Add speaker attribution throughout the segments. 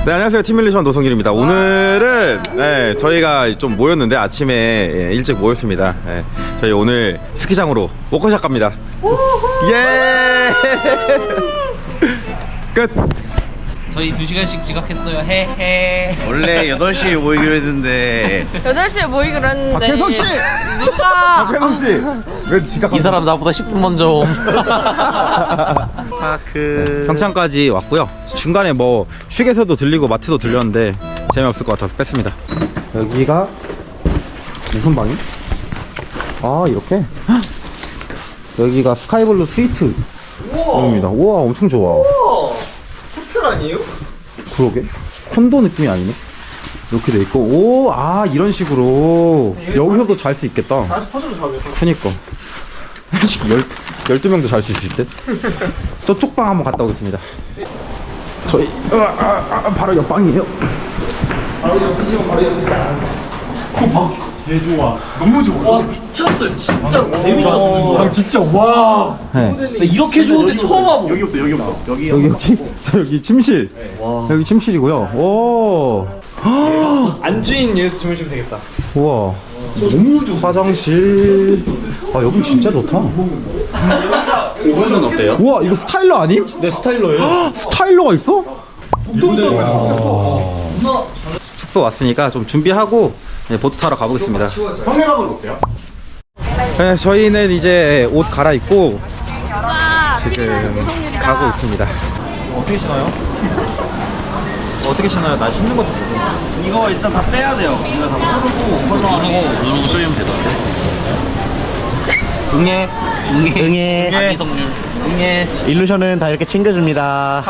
Speaker 1: 네, 안녕하세요. 팀밀리션 노성길입니다. 오늘은 저희가 좀 모였는데 아침에 일찍 모였습니다. 저희 오늘 스키장으로 워커샵 갑니다. 예! 끝!
Speaker 2: 저희 2시간씩 지각했어요. 헤헤.
Speaker 3: 원래 8시에 모이기로 했는데
Speaker 4: 8시에 모이기로 했는데
Speaker 1: 박혜성씨!
Speaker 4: 누가
Speaker 1: 박혜성씨! 왜 지각?
Speaker 2: 이 사람 나보다 10분 먼저 옴.
Speaker 3: 파크
Speaker 1: 평창까지 왔고요. 중간에 뭐 휴게소도 들리고 마트도 들렸는데 재미없을 것 같아서 뺐습니다. 여기가 무슨 방이? 아, 이렇게? 헉! 여기가 스카이블루 스위트 룸입니다. 우와, 엄청 좋아.
Speaker 2: 호텔 아니에요?
Speaker 1: 그러게? 콘도 느낌이 아니네. 이렇게 돼 있고, 오, 아, 이런 식으로 여기서도 잘 수 있겠다.
Speaker 2: 다시 퍼즐로 잡아요.
Speaker 1: 그니까 12명도 잘 수 있을 듯. 저쪽 방 한번 갔다 오겠습니다. 저희 바로 옆방이에요.
Speaker 2: 바로 옆이시면 바로 옆이시죠.
Speaker 3: 개 좋아. 너무 좋아.
Speaker 2: 와 미쳤어요. 진짜로 개 미쳤어.
Speaker 3: 아 진짜 와.
Speaker 1: 네.
Speaker 2: 나 이렇게 좋은데 처음 와보.
Speaker 3: 여기부터
Speaker 1: 여기 침실. 여기 침실이고요. 오.
Speaker 3: 안주인 예수 주무시면 되겠다.
Speaker 1: 우와. 너무 좋아. 화장실. 아, 여기 진짜 좋다.
Speaker 3: 오븐은 어때요?
Speaker 1: 우와, 이거 스타일러 아님?
Speaker 3: 네 스타일러예요.
Speaker 1: 스타일러가 있어? 숙소 왔으니까 좀 준비하고 보트 타러 가보겠습니다.
Speaker 3: 형네방은 어때요?
Speaker 1: 네, 저희는 이제 옷 갈아입고
Speaker 4: 와,
Speaker 1: 지금 가고 있습니다.
Speaker 3: 어떻게 신어요?
Speaker 1: 어떻게 신어요? 나 신는 것도 모르고.
Speaker 3: 이거 일단 다 빼야 돼요. 이거 다 풀고 누르고 쪼이면 되던데.
Speaker 1: 응애.
Speaker 2: 자기성률.
Speaker 3: 일루션은 다 이렇게 챙겨줍니다.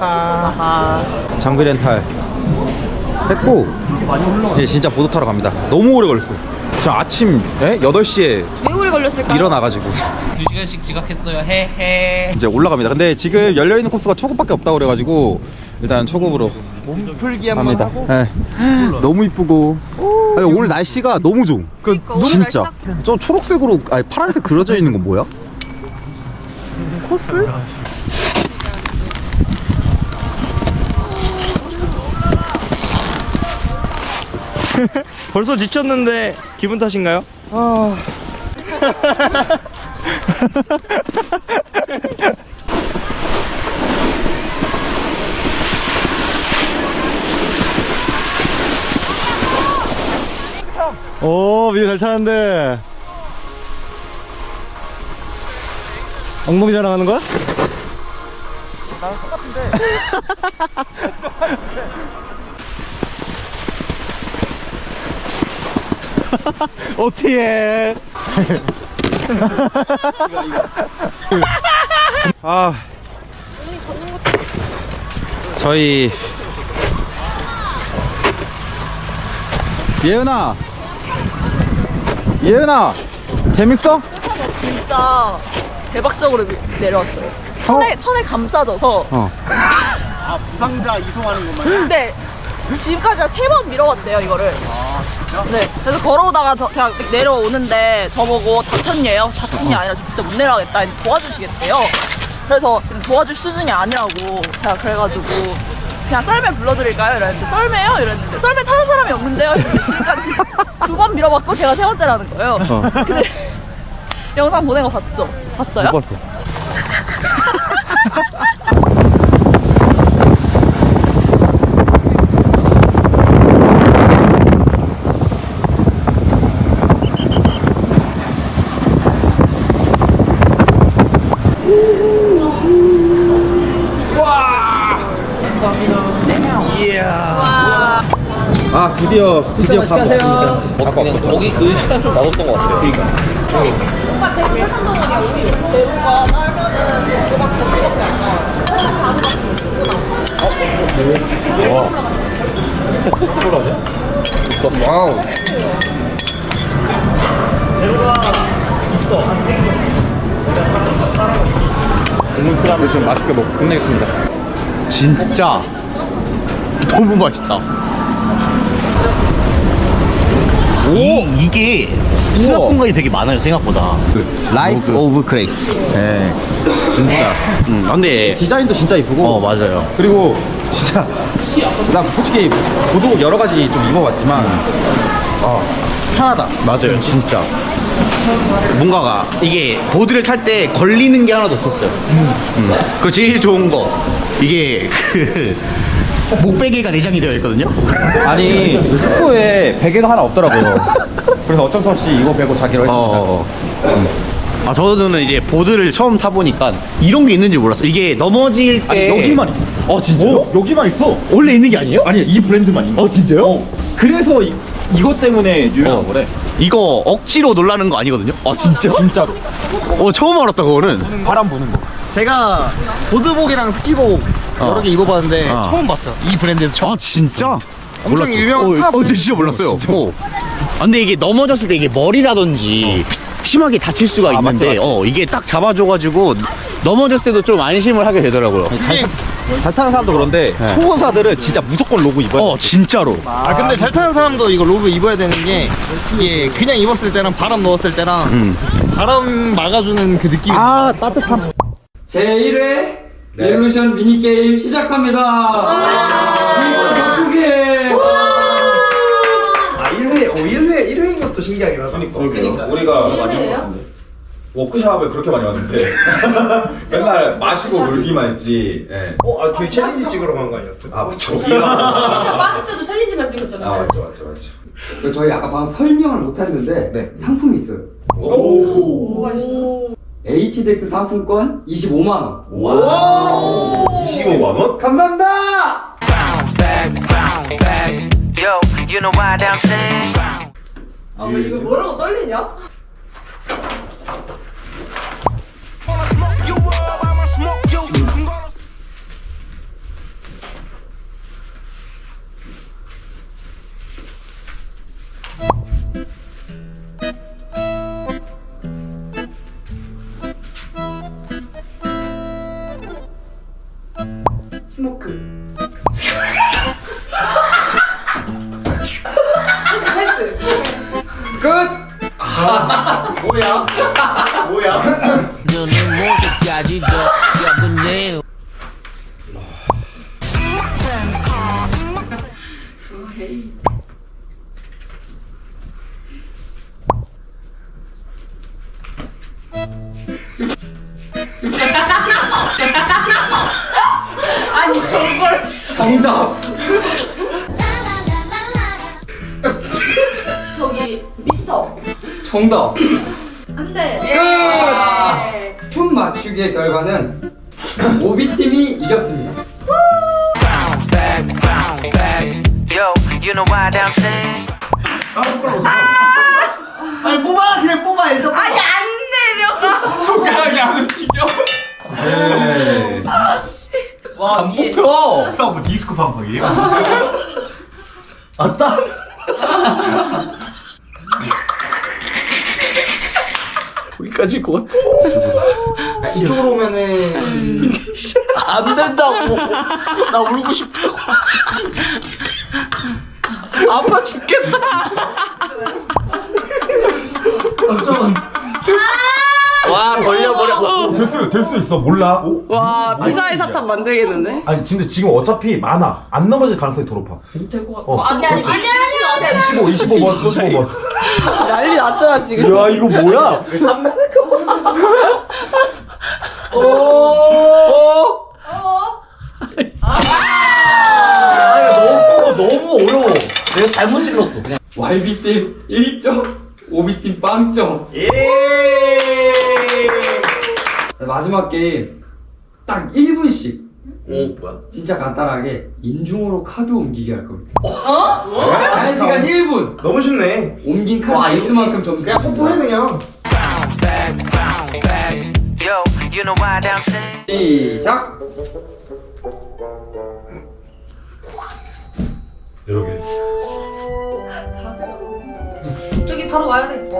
Speaker 1: 장비 렌탈 했고 이제 진짜 보드 타러 갑니다. 너무 오래 걸렸어. 지금 아침 8시에
Speaker 4: 왜 오래 걸렸을까?
Speaker 1: 일어나가지고
Speaker 2: 2시간씩 지각했어요. 헤헤.
Speaker 1: 이제 올라갑니다. 근데 지금 열려있는 코스가 초급밖에 없다고 그래가지고 일단 초급으로
Speaker 3: 몸풀기
Speaker 1: 갑니다. 네. 너무 이쁘고 아니, 오늘 날씨가 너무 좋음.
Speaker 4: 그러니까, 오늘
Speaker 1: 진짜
Speaker 4: 날씨가-
Speaker 1: 저 초록색으로 아니 파란색 그려져 있는 건 뭐야? 코스?
Speaker 3: 벌써 지쳤는데 기분 탓인가요?
Speaker 1: 오, 미리 잘 타는데. 엉덩이 자랑하는 거야? 나랑 똑같은데. 어떻게 해? 아, 저희 예은아, 재밌어?
Speaker 4: 진짜 대박적으로 내려왔어요. 천에 감싸져서.
Speaker 3: 부상자 이송하는 것만.
Speaker 4: 근데 지금까지 한 3번 밀어왔대요, 이거를.
Speaker 3: 아 진짜?
Speaker 4: 네. 그래서 걸어오다가 제가 내려오는데 저보고 다쳤냐요? 다친이 아니라 진짜 못 내려가겠다. 도와주시겠대요. 그래서 도와줄 수준이 아니라고 제가 그래가지고 그냥 썰매 불러드릴까요? 이랬는데 썰매요? 이랬는데 썰매 타는 사람이 없는데요? 이랬는데 지금까지 2번 밀어봤고 제가 3번째라는 거예요. 근데 영상 보낸 거 봤죠? 봤어요?
Speaker 1: 못 봤어. 아, 드디어 밥 먹었습니다.
Speaker 2: 그냥 거기 그 시간 좀 맛없던 것 같아요.
Speaker 4: 오빠 제 세상 덩어리야. 우리 대구가 딸면은 대박 거기밖에 안 나와요. 딱 가는
Speaker 1: 와우. 국물 크랍을 좀 맛있게 먹고 끝내겠습니다.
Speaker 3: 진짜 너무 맛있다. 이게 수납 공간이 되게 많아요 생각보다.
Speaker 1: 라이프 오브 그레이스. 네, 진짜.
Speaker 3: 근데
Speaker 1: 디자인도 진짜 이쁘고.
Speaker 3: 맞아요.
Speaker 1: 그리고 진짜 난 솔직히 보도 여러 가지 좀 입어봤지만 편하다.
Speaker 5: 맞아요, 진짜. 뭔가가 이게 보드를 탈 때 걸리는 게 하나도 없었어요. 그 제일 좋은 거 이게 그 목베개가 내장이 되어 있거든요.
Speaker 1: 아니 숙소에 베개가 하나 없더라고요. 그래서 어쩔 수 없이 이거 베고 자기로 했습니다.
Speaker 5: 아 저는 이제 보드를 처음 타보니까 이런 게 있는지 몰랐어요. 이게 넘어질 때
Speaker 1: 아니 여기만 있어. 진짜요? 여기만 있어.
Speaker 5: 원래 있는 게 아니에요?
Speaker 1: 아니 이 브랜드만 있어.
Speaker 5: 진짜요?
Speaker 1: 그래서 이것 때문에 유명한 거래.
Speaker 5: 이거 억지로 놀라는 거 아니거든요? 아 진짜?
Speaker 1: 진짜로.
Speaker 5: 처음 알았다 그거는.
Speaker 1: 바람 부는 거.
Speaker 3: 제가 보드복이랑 스키복 여러 개 입어봤는데 처음 봤어요. 이 브랜드에서 처음.
Speaker 5: 아 진짜?
Speaker 3: 엄청 유명한 탑
Speaker 5: 근데 진짜 몰랐어요. 아, 근데 이게 넘어졌을 때 이게 머리라든지 심하게 다칠 수가 있는데
Speaker 1: 맞지.
Speaker 5: 이게 딱 잡아줘가지고 넘어졌을 때도 좀 안심을 하게 되더라고요.
Speaker 1: 잘 타는 사람도 그런데 초보자들은 진짜 무조건 로고 입어야 돼.
Speaker 5: 진짜로.
Speaker 3: 아 근데 잘 타는 사람도 이거 로브 입어야 되는 게 이게 그냥 입었을 때랑 바람 넣었을 때랑 바람 막아주는 그 느낌이
Speaker 1: 따뜻함.
Speaker 6: 제1회 레볼루션 미니게임 시작합니다. 리액션 크게.
Speaker 5: 1회인 것도 신기하긴 하다.
Speaker 1: 그러니까 우리가 많이 워크숍을 그렇게 많이 왔는데 맨날 마시고 놀기만 했지. 예.
Speaker 5: 저희 챌린지 찍으러 간 거 아니었어요?
Speaker 1: 맞죠.
Speaker 7: 빠질 때도 챌린지만 찍었잖아요.
Speaker 1: 맞죠.
Speaker 6: 저희 아까 방금 설명을 못했는데
Speaker 1: 네.
Speaker 6: 상품이 있어요.
Speaker 7: 뭐가 있어?
Speaker 6: HDX 상품권 25만 원.
Speaker 5: 25만 원?
Speaker 6: 감사합니다.
Speaker 8: Yo, you know why I'm saying?
Speaker 7: 이거 뭐라고 떨리냐? 스모크. 패스.
Speaker 6: 끝.
Speaker 8: 눈을 모습까지 더 여분해요.
Speaker 7: 아니 저걸
Speaker 6: 정답.
Speaker 7: 저기 미스터.
Speaker 6: 정답.
Speaker 7: 안돼.
Speaker 6: 끝. 춤 맞추기의 결과는 오비팀이 이겼습니다.
Speaker 8: Yo, you know why I'm saying?
Speaker 5: 아니 뽑아 그냥 뽑아 일단 뽑아.
Speaker 7: 아니 안 내려가.
Speaker 2: 손가락이 안 움직여.
Speaker 1: 네.
Speaker 7: 아씨.
Speaker 2: 와, 안 뽑혀.
Speaker 5: 뭐 디스코 방송이에요?
Speaker 2: 여기까지일 것 같아.
Speaker 5: 이쪽으로 오면은
Speaker 2: 안 된다고. 나 울고 싶다고. 아파 죽겠다. 와, 돌려버려.
Speaker 9: 될 수 있어. 몰라.
Speaker 7: 와 미사일 사탕 만들겠는데?
Speaker 9: 아니 근데 지금 어차피 많아. 안 넘어질 가능성이 더 높아.
Speaker 7: 될것 같아. 아니 하지 마세요.
Speaker 9: 25번 25번.
Speaker 7: 난리 났잖아 지금.
Speaker 9: 야 이거 뭐야?
Speaker 2: 너무 어려워. 내가 잘못 찔렀어. 그냥.
Speaker 6: YB팀 1점, 오비팀 빵점. 마지막 게임 딱 1분씩
Speaker 2: 오, 뭐야?
Speaker 6: 진짜 간단하게 인중으로 카드 옮기기 할 겁니다. 자유 시간 1분.
Speaker 5: 너무 쉽네.
Speaker 6: 옮긴 카드 개수만큼 점수.
Speaker 5: 그냥 뽀뽀해 그냥.
Speaker 8: Yo, you know why I'm saying?
Speaker 6: 시작.
Speaker 9: 이렇게.
Speaker 7: 저기 바로 와야 돼.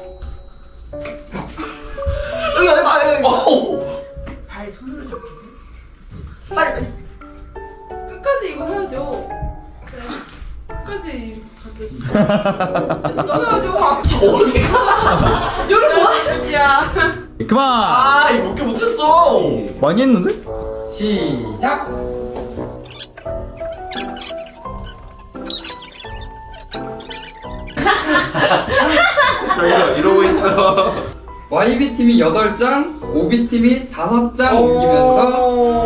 Speaker 7: 여기 봐 여기. 발 손으로 잡히지. 빨리 빨리. 끝까지 이거 해야죠. 끝까지 이렇게 가도. 어디가? 여기 뭐 하는 짓이야?
Speaker 1: 그만.
Speaker 2: 아, 이거 몇 개 못했어.
Speaker 1: 많이 했는데?
Speaker 6: 시작.
Speaker 1: 저희가 이러고 있어.
Speaker 6: YB팀이 8장, OB팀이 5장 옮기면서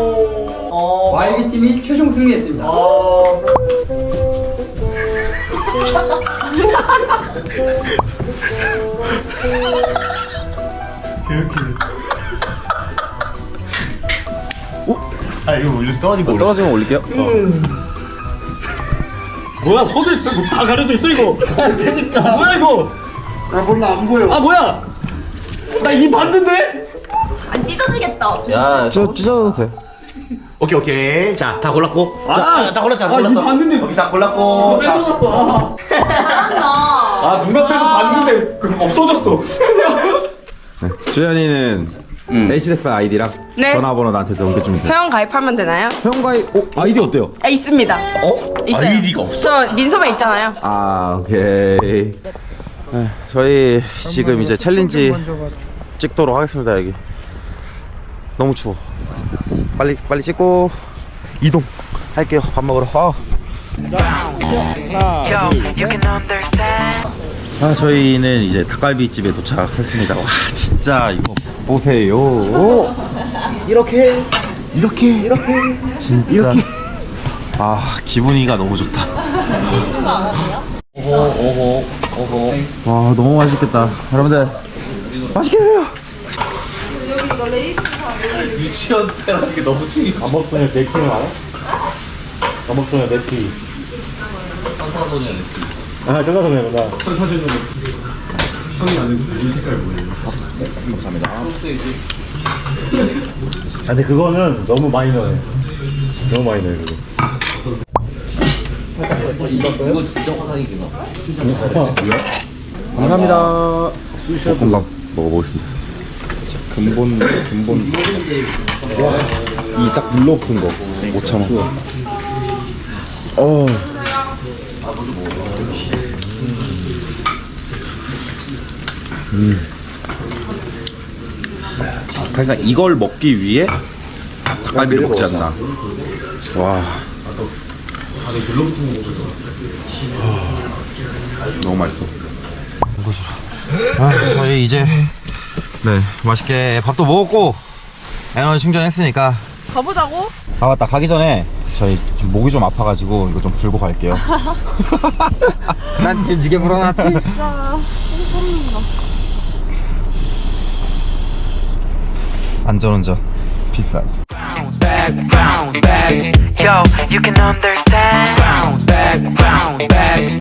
Speaker 6: YB팀이 최종 승리했습니다.
Speaker 5: 아 이거 올려서 떨어진 거
Speaker 1: 떨어지면 올릴게요.
Speaker 3: 뭐야 손을 다 가려져 있어 이거.
Speaker 5: 그러니까.
Speaker 3: 뭐야 이거?
Speaker 5: 아 몰라 안 보여.
Speaker 3: 아 뭐야? 나 이 봤는데?
Speaker 4: 안 찢어지겠다.
Speaker 2: 야,
Speaker 1: 찢어도 돼.
Speaker 5: 오케이. 자 다 골랐고. 다 골랐잖아.
Speaker 3: 아,
Speaker 5: 골랐어.
Speaker 3: 이거 봤는데.
Speaker 5: 오케이 다 골랐고. 자,
Speaker 3: 뺏어갔어.
Speaker 4: 잘한다.
Speaker 3: 아 눈앞에서 봤는데 그럼 없어졌어.
Speaker 1: 주연이는 HDX 아이디랑
Speaker 7: 네.
Speaker 1: 전화번호 나한테 넘겨주면 돼.
Speaker 7: 회원 가입하면 되나요?
Speaker 1: 회원가입 아이디 어때요?
Speaker 7: 아, 있습니다. 있어요.
Speaker 5: 아이디가 없어.
Speaker 7: 저 민소매 있잖아요.
Speaker 1: 아 오케이. 네, 저희 지금 이제 챌린지 찍도록 하겠습니다. 여기 너무 추워. 빨리 찍고 이동 할게요. 밥 먹으러.
Speaker 8: Yo, you can understand.
Speaker 1: 저희는 이제 닭갈비 집에 도착했습니다. 와 진짜 이거 보세요. 이렇게 진짜 이렇게. 아 기분이가 너무 좋다. 와 너무 맛있겠다. 여러분들 맛있게 드세요.
Speaker 2: 유치원 때라는 게 너무 충격이야.
Speaker 3: 감옥소녀 네티는 알아? 감옥소녀 네티.
Speaker 2: 천사소년 느낌.
Speaker 3: 아 천사소녀구나. 아 근데 그거는 너무 많이 넣어요. 너무 많이 넣어요 그거.
Speaker 2: 이거 진짜 화상이구나.
Speaker 1: 감사합니다. 볶음밥 먹어보겠습니다. 근본 이 딱 물러붙은 거 5,000원. 그러니까 이걸 먹기 위해 닭갈비를 먹지 않나. 와. 너무 맛있어. 저희 이제 맛있게 밥도 먹었고 에너지 충전했으니까
Speaker 4: 가보자고?
Speaker 1: 아 맞다 가기 전에 저희 좀 목이 좀 아파가지고 이거 좀 불고 갈게요.
Speaker 6: 난 진지게 불어났지?
Speaker 1: 안전운전 비싸.
Speaker 8: Yo, you can understand.